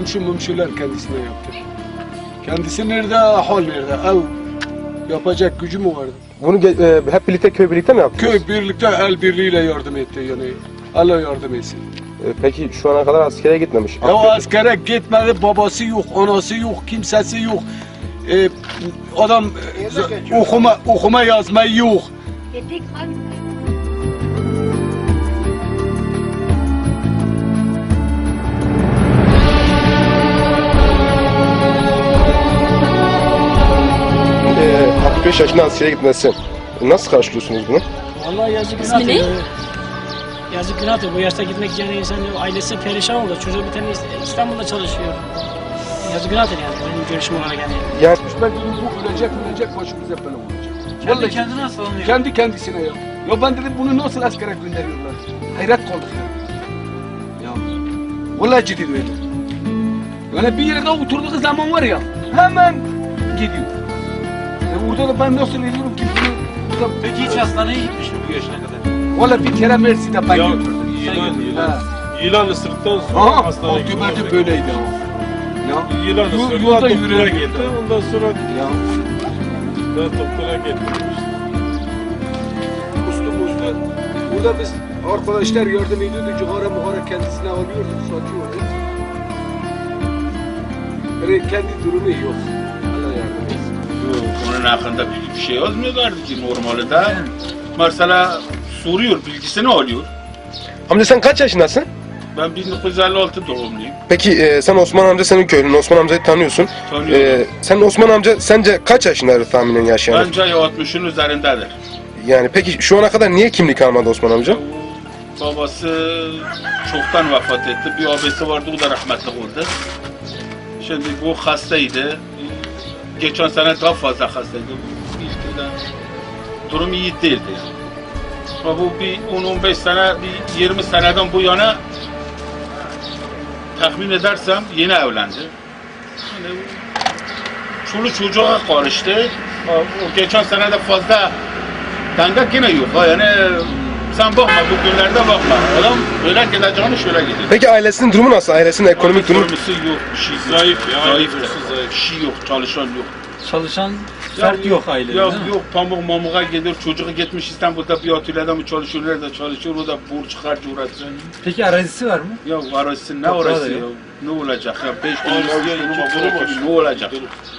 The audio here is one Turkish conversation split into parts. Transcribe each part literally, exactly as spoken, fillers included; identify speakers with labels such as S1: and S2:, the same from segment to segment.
S1: komşu mumşular kendisine yaptır. Kendisi nerede, hal nerede, ev yapacak gücü mü vardı?
S2: Bunu e, hep birlikte köy birlikte mi yaptınız?
S1: Köy birlikte el birliğiyle yardım etti yani. Allah yardım etsin.
S2: E, peki şu ana kadar askere gitmemiş.
S1: Ya o askere gitmedi, babası yok, anası yok, kimsesi yok. Ee, adam e, okuma okuma yazma yok.
S2: E, altmış beş yaşında askere gitmesi. Nasıl karşılıyorsunuz bunu?
S3: Vallahi yazık
S4: İsmi
S3: günahtır.
S4: ne?
S3: ya. Yazık günahtır. Bu yaşta gitmek için insan ailesi perişan oldu. Çocuğu bir tane İstanbul'da çalışıyor. Yazık günahtır yani. Benim görüşüm olarak yani.
S2: Yani
S1: Ben dedim bu ölecek ölecek başımıza bela olacak.
S5: Kendi
S1: Vallahi
S5: kendine hastalanıyor.
S1: kendi kendisine ya. Ya ben dedim bunu nasıl askere gönderiyorlar? Hayret kaldık ya. Ya vallahi ciddi böyle. Yani bir yerde oturduğu zaman var ya hemen gidiyor. E orada da ben nasıl ediyorum ki bunu? burada-
S5: Peki hiç hastaneye gitmiş mi bu yaşına kadar?
S1: Vallahi bir kere Mersin'de ben
S6: Ya,
S1: götürdüm.
S6: Yılan, yılan.
S1: Ha.
S6: Yılan ısırdıktan sonra
S1: Aha,
S6: hastaneye gitti.
S1: Akıbeti böyleydi ama. Ya.
S6: Yılan
S1: Yol-
S6: ısırdı,
S1: yolda
S6: doktora
S1: yürüyen
S6: gitti.
S1: gitti.
S6: Ondan sonra
S1: Ya.
S6: da doktora getirmiş.
S1: Usta usta. Burada biz arkadaşlar yardım ediyorduk. Cigara muhara kendisine alıyorduk, satıyorduk. Yani kendi durumu yok. Allah yardım etsin.
S7: Yok, onun hakkında bir, bir şey yazmıyorlardı ki normalde. Mesela soruyor, bilgisini alıyor.
S2: amca sen kaç yaşındasın?
S7: Ben bin dokuz yüz elli altı doğumluyum.
S2: Peki e, sen Osman amca senin köylün. Osman amcayı tanıyorsun.
S7: Tanıyorum.
S2: E, sen Osman amca sence kaç yaşındadır tahminen yaş yani?
S7: Bence altmışın üzerindedir.
S2: Yani peki şu ana kadar niye kimlik almadı Osman amca?
S7: Babası çoktan vefat etti. Bir abisi vardı, o da rahmetli oldu. Şimdi bu hastaydı. Geçen sene daha fazla hastaydı. İlk de durum iyi değildi. Ama bu bir on on beş sene, bir yirmi seneden bu yana tahmin edersem yeni evlendi. Yani çoluk çocuğa karıştı. O geçen sene de fazla denge yine yok. Ha. Yani sen bakma, bu günlerde bakma. Adam böyle gideceğini şöyle gidiyor.
S2: Peki ailesinin durumu nasıl? Ailesinin ekonomik durumu?
S7: Ekonomisi yok, bir şey yok.
S6: Zayıf ya,
S7: Zayıf
S6: ailesi
S7: da.
S6: zayıf.
S7: Bir şey yok, çalışan yok.
S5: Çalışan fert yok ailede
S7: Ya
S5: değil mi?
S7: yok, pamuk mamuğa gidiyor, çocuğu gitmiş İstanbul'da bir atölyede mi çalışıyor, nerede çalışıyor, o da borç harç uğraşıyor.
S5: Peki arazisi var mı?
S7: Ya arası ne
S5: Toprağı da
S7: orası ya?
S5: yok.
S7: Ne olacak ya? Beş
S6: Arası
S7: dönüm,
S6: yani
S7: dönüm,
S6: iki dönüm var.
S7: ne olacak?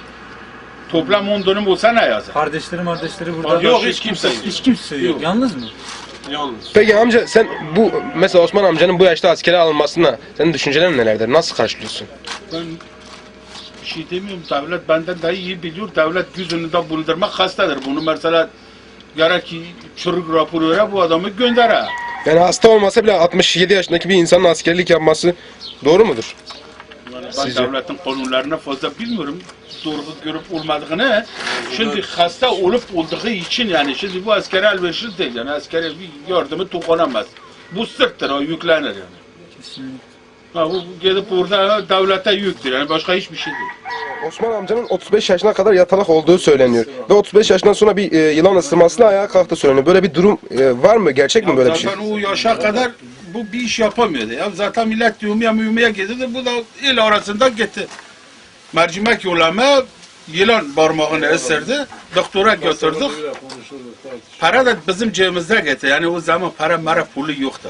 S7: Toplam on dönüm olsa ne yazar?
S5: Kardeşleri kardeşleri burada.
S7: Yok, hiç kimse yok.
S5: Hiç kimse yok.
S7: Yok.
S5: Yalnız mı?
S6: Yalnız.
S2: Peki amca sen bu mesela Osman amcanın bu yaşta askere alınmasına senin düşüncelerin nelerdir? Nasıl karşılıyorsun?
S7: Ben bir şey demiyorum, devlet benden daha iyi biliyor. Devlet göz önünde bulundurmak hastadır. Bunu mesela gerek ki çürük raporu vere, bu adamı gönder ha.
S2: Yani hasta olmasa bile altmış yedi yaşındaki bir insanın askerlik yapması doğru mudur?
S7: Yani ben
S2: Sizce?
S7: devletin kanunlarına fazla bilmiyorum. Doğru görüp olmadığını. Şimdi hasta olup olduğu için yani şimdi bu askere elverişli değil. Yani askere bir yardımı dokunamaz. Bu sırttır, o yüklenir yani.
S5: Kesinlikle.
S7: Ha, bu gidip orada devlete yüktür yani, başka hiçbir şey değil.
S2: Osman amcanın otuz beş yaşına kadar yatalak olduğu söyleniyor. Ve otuz beş yaşından sonra bir e, yılan ısırmasıyla ayağa kalktı söyleniyor. Böyle bir durum e, var mı? Gerçek mi böyle bir şey?
S7: Zaten o yaşa kadar bu bir iş yapamıyordu ya. Zaten millet yumya mühümeye gidiyordu. Bu da il arasında gitti. Mercimek yollama, yılan parmağını ısırdı. Doktora götürdük. Para da bizim cebimizde gitti. Yani o zaman para mara pulu yoktu.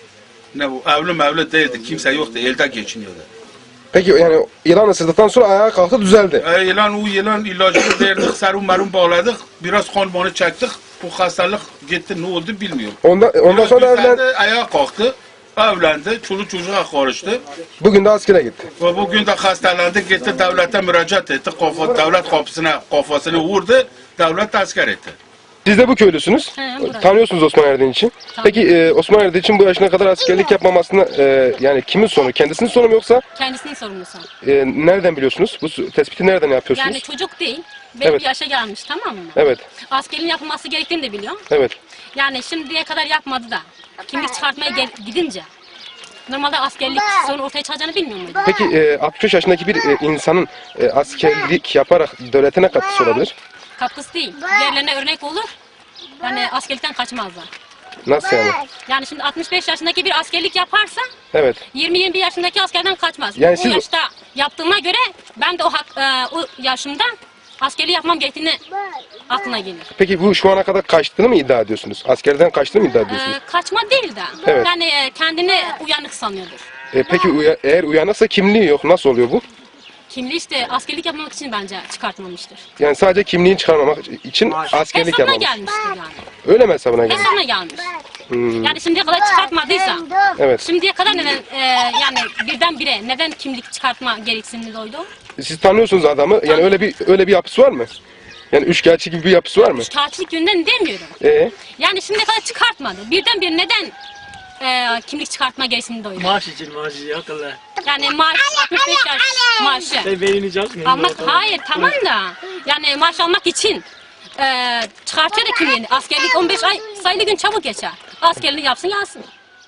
S7: Ne bu evli mevli değildi. Kimse yoktu. Elde geçiniyordu.
S2: Peki yani yılan ısırdıktan sonra ayağa kalktı düzeldi.
S7: E, yılan o yılan ilacını verdik. Serum merum bağladık. Biraz kan banı çektik. Bu hastalık gitti. Ne oldu bilmiyorum.
S2: Ondan, ondan
S7: Biraz
S2: sonra
S7: düzeldi,
S2: evlen,
S7: ayağa kalktı. Evlendi. Çoluk çocuğa karıştı.
S2: bugün de askere gitti.
S7: Ve bugün de hastalandı. Gitti devlete müracaat etti. Kafa, devlet kapısına kafasını vurdu. Devlet asker etti.
S2: Siz de bu köylüsünüz.
S4: He, burası.
S2: Tanıyorsunuz Osman Erdin için. Peki e, Osman Erdin için bu yaşına kadar askerlik yapmamasına e, yani kimin sorunu? Kendisinin sorunu mu yoksa
S4: Kendisinin sorumlusu.
S2: e, nereden biliyorsunuz? Bu su- tespiti nereden yapıyorsunuz?
S4: Yani çocuk değil. Belli
S2: Evet.
S4: bir yaşa gelmiş, tamam mı?
S2: Evet,
S4: Askerin yapılması gerektiğini de biliyorum.
S2: evet.
S4: Yani şimdiye kadar yapmadı da. Kimlik çıkartmaya gel- gidince. Normalde askerlik sonra ortaya çıkacağını bilmiyor muydu?
S2: Peki e, altmış beş yaşındaki bir e, insanın e, askerlik yaparak devlete ne katkısı olabilir?
S4: Katkısı değil. Diğerlerine örnek olur. Yani askerlikten kaçmazlar.
S2: Nasıl yani?
S4: Yani şimdi altmış beş yaşındaki bir askerlik yaparsa
S2: Evet.
S4: yirmi yirmi bir yaşındaki askerden kaçmaz.
S2: Yani
S4: Yani
S2: siz-
S4: o yaşta yaptığıma göre ben de o, hak, e, o yaşımda askerliği yapmam gerektiğini aklına gelir.
S2: Peki bu şu ana kadar kaçtığını mı iddia ediyorsunuz? Askerden kaçtığını mı iddia ediyorsunuz?
S4: E, kaçma değil de
S2: Evet.
S4: yani e, kendini uyanık sanıyordur.
S2: E, peki uya- eğer uyanırsa kimliği yok. Nasıl oluyor bu?
S4: Kimliği işte askerlik yapmamak için bence çıkartmamıştır.
S2: Yani sadece kimliğini çıkarmamak için askerlik
S4: Hesabına
S2: yapmamış.
S4: gelmiştir yani.
S2: Öyle mi hesabına gelmiş?
S4: Hesabına gelmiş.
S2: Hmm.
S4: Yani şimdiye kadar çıkartmadıysa,
S2: Evet.
S4: şimdiye kadar neden e, yani birdenbire neden kimlik çıkartma gereksinimi duydu?
S2: Siz tanıyorsunuz adamı. Yani öyle bir öyle bir yapısı var mı? Yani üçkağıtçı gibi bir yapısı var mı?
S4: Tatillik yönden demiyorum.
S2: Ee,
S4: Yani şimdiye kadar çıkartmadı. Birdenbire neden e, kimlik çıkartma gereksinimi duydu?
S3: Maaş için maaş için akıllı.
S4: Yani maaş altmış beş yaş maaşı.
S3: Sen beynini çalışmıyorsun.
S4: Almak hayır tamam da yani maaş almak için e, çıkartıyor da kimliğini. Askerlik on beş ay sayılı gün çabuk geçer. Askerliği yapsın yansın.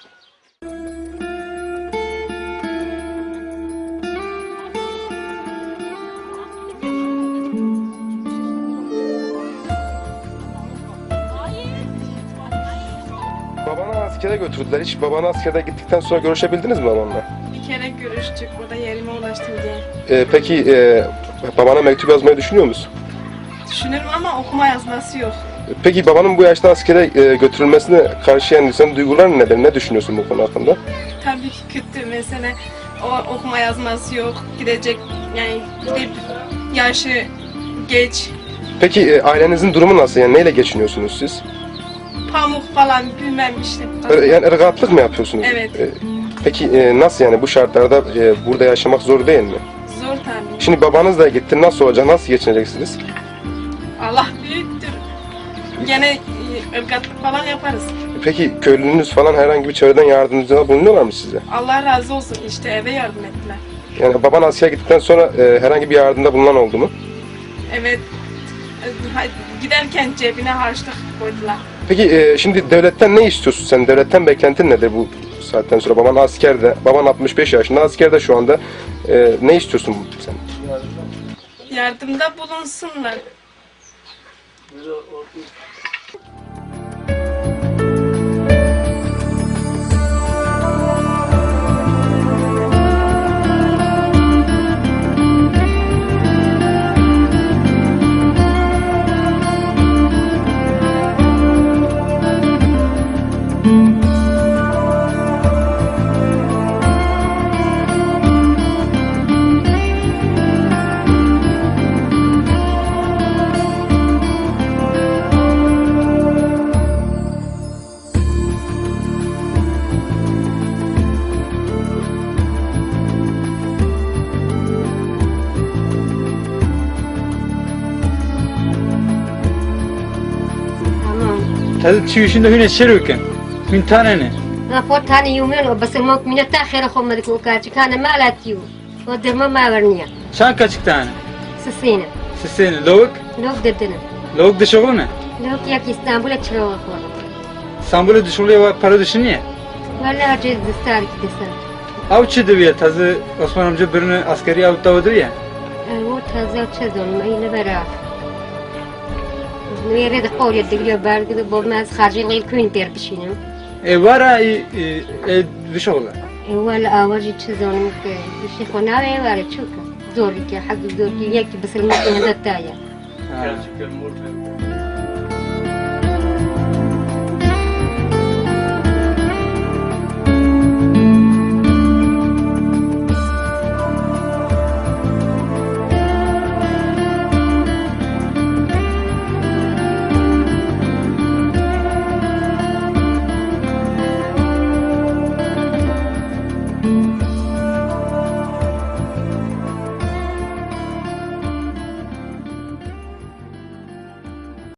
S2: babanı askere götürdüler. Hiç babanı askere gittikten sonra görüşebildiniz mi babanla?
S8: Bir kere görüştük, burada yerime ulaştım diye.
S2: Ee, peki e, babana mektup yazmayı düşünüyor musun?
S8: Düşünürüm ama okuma yazması yok.
S2: Peki babanın bu yaşta askere e, götürülmesine karşı yani senin duyguların nedir? Ne düşünüyorsun bu konu hakkında?
S8: Tabii ki kötü mesela o okuma yazması yok. Gidecek yani gidip yaşı geç,
S2: Peki e, ailenizin durumu nasıl? Yani neyle geçiniyorsunuz siz?
S8: pamuk falan bilmem işte.
S2: Ö- Yani ırgatlık mı yapıyorsunuz?
S8: Evet.
S2: E, Peki e, nasıl yani bu şartlarda e, burada yaşamak zor değil mi?
S8: Zor tabii.
S2: Şimdi babanız da gitti. Nasıl olacak? Nasıl geçineceksiniz?
S8: Allah büyüktür. Gene e, ırgatlık falan yaparız.
S2: Peki köylünüz falan herhangi bir çevreden yardımcıda bulunuyorlar mı size?
S8: Allah razı olsun işte eve yardım ettiler.
S2: Yani baban askere gittikten sonra e, herhangi bir yardımda bulunan oldu mu?
S8: Evet. e, ha- Giderken cebine harçlık koydular.
S2: Peki e, şimdi devletten ne istiyorsun sen? Devletten beklentin nedir bu saatten sonra? Baban askerde, baban altmış beş yaşında askerde şu anda. E, ne istiyorsun sen?
S8: Yardımda bulunsunlar.
S5: تازه تشويشين ده هنا شروكن من تانني
S9: رفوت هاني يومين وبس الموت من التاخير أخو مدك وكاتش كان ما لا تيو ودر ما ورنيا
S5: شان كاتشك تاني
S9: سسينا
S5: سسين لوك
S9: لوك ددنا
S5: لوك ده شغلنا
S9: لوك ياك اسطنبول تشرو أخو
S5: İstanbul'a düşürüyor ve para düşünüyor.
S9: ولا جيد دستار كدسار
S5: Av çiğdi bir tazı Osman amca birini askeri avuta davıdır ya.
S9: هو تهزا وتشزون ما ينبرا ويريد قول يدقليو بارد بو ماز خارجين غير كوين بير بشينم
S5: E var ha e, e, bir şoğla.
S9: هو الأواجي تشزون مك بشي خونا ويوارد شوكا زورك حق زورك ياك بس المكان هذا تايا
S5: Ha.